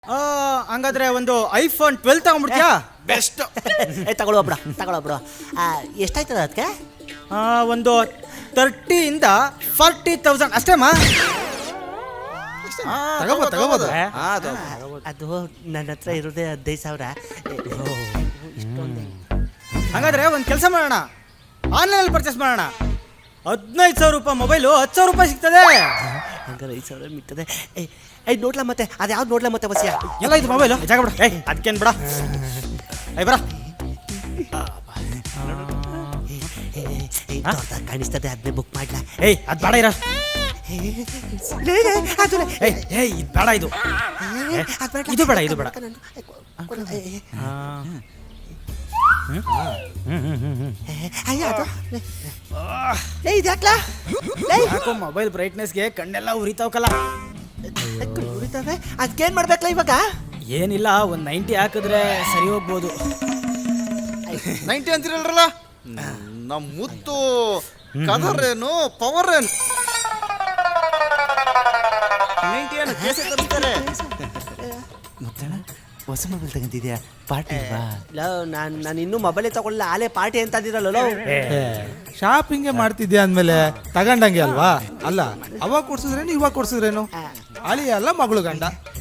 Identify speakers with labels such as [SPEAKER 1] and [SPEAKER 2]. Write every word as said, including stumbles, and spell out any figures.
[SPEAKER 1] ಹಂಗಾದ್ರೆ ಒಂದು iPhone twelve ತಗೊಂಡ್ಬಿಡ್ತೀಯಾ?
[SPEAKER 2] Best.
[SPEAKER 3] ಏ ತಗೊಳ್ಳೋ ಬಿಡ ತಗೊಳ್ಳೋ ಬಿಡು. ಎಷ್ಟಾಯ್ತದ ಅದಕ್ಕೆ?
[SPEAKER 1] ಒಂದು ತರ್ಟಿಯಿಂದ ಫಾರ್ಟಿ ತೌಸಂಡ್ ಅಷ್ಟೇಮ್ಮ.
[SPEAKER 2] ತಗೋಬೋದು ತಗೋಬೋದು.
[SPEAKER 3] ಅದು ನನ್ನ ಹತ್ರ ಇರೋದೇ ಹದಿನೈದು ಸಾವಿರ.
[SPEAKER 1] ಹಾಗಾದ್ರೆ ಒಂದು ಕೆಲಸ ಮಾಡೋಣ, ಆನ್ಲೈನಲ್ಲಿ ಪರ್ಚೇಸ್ ಮಾಡೋಣ. ಹದಿನೈದು ಸಾವಿರ ರೂಪಾಯಿ ಮೊಬೈಲು ಹತ್ತು ಸಾವಿರ ರೂಪಾಯಿ ಸಿಗ್ತದೆ.
[SPEAKER 3] ಹಂಗಾರೆ ಐದು ಸಾವಿರ ಮಿಗ್ತದೆ. ಏ ಐ ನೋಡ್ಲಾ ಮತ್ತೆ ಅದು ಯಾವ್ದು ನೋಡ್ಲಾ ಮತ್ತೆ ಬಸ್ಸಿಯ
[SPEAKER 1] ಎಲ್ಲ ಇದು ಮೊಬೈಲು ಜಾಗ ಬಿಡ. ಏಯ್ ಅದಕ್ಕೇನು ಬಿಡ. ಏಯ್ ಬರ
[SPEAKER 3] ಕಾಣಿಸ್ತದೆ, ಅದನ್ನೇ ಬುಕ್ ಮಾಡ್ಲಾ?
[SPEAKER 1] ಏಯ್ ಅದು ಬೇಡ ಇರ. ಏಯ್ ಏಯ್ ಇದು ಬೇಡ, ಇದು ಇದು ಬೇಡ, ಇದು ಬೇಡ. ಯಾಕೋ ಮೊಬೈಲ್ ಬ್ರೈಟ್ನೆಸ್ಗೆ ಕಣ್ಣೆಲ್ಲ ಉರಿತಾವಕಲ್ಲ.
[SPEAKER 3] ಉರಿತಾವೆ, ಅದಕ್ಕೇನು ಮಾಡ್ಬೇಕಲ್ಲ ಇವಾಗ?
[SPEAKER 1] ಏನಿಲ್ಲ, ಒಂದು ನೈಂಟಿ ಹಾಕಿದ್ರೆ ಸರಿ ಹೋಗ್ಬೋದು.
[SPEAKER 2] ನೈಂಟಿ ಅಂತಿರಲ್ರಲ್ಲ, ನಮ್ಮ ಮುತ್ತು ಕಲರ್ ಏನು ಪವರ್ ಏನು ನೈಂಟಿ ಏನು ಕೇಸೆ ತರಿಸ್ತಾರೆ.
[SPEAKER 3] ಮುತ್ತಣ್ಣ ಹೊಸ ಮೊಬೈಲ್ ತಗೊಂಡಿದ್ಯಾ? ಪಾರ್ಟಿ ಇಲ್ಲ, ನಾನು ನಾನು ಇನ್ನೂ ಮೊಬೈಲೇ ತಗೊಳ್ಳ, ಆಲೇ ಪಾರ್ಟಿ ಅಂತ ಅಂದಿರಲ್ಲ.
[SPEAKER 4] ಶಾಪಿಂಗೇ ಮಾಡ್ತಿದ್ಯಾ ಅಂದಮೇಲೆ ತಗೊಂಡಂಗೆ ಅಲ್ವಾ? ಅಲ್ಲ, ಅವಾಗ ಕೊಡ್ಸಿದ್ರೇನು ಇವಾಗ ಕೊಡ್ಸಿದ್ರೇನು? ಅಳಿ ಅಲ್ಲ ಮಗಳು ಗಂಡ.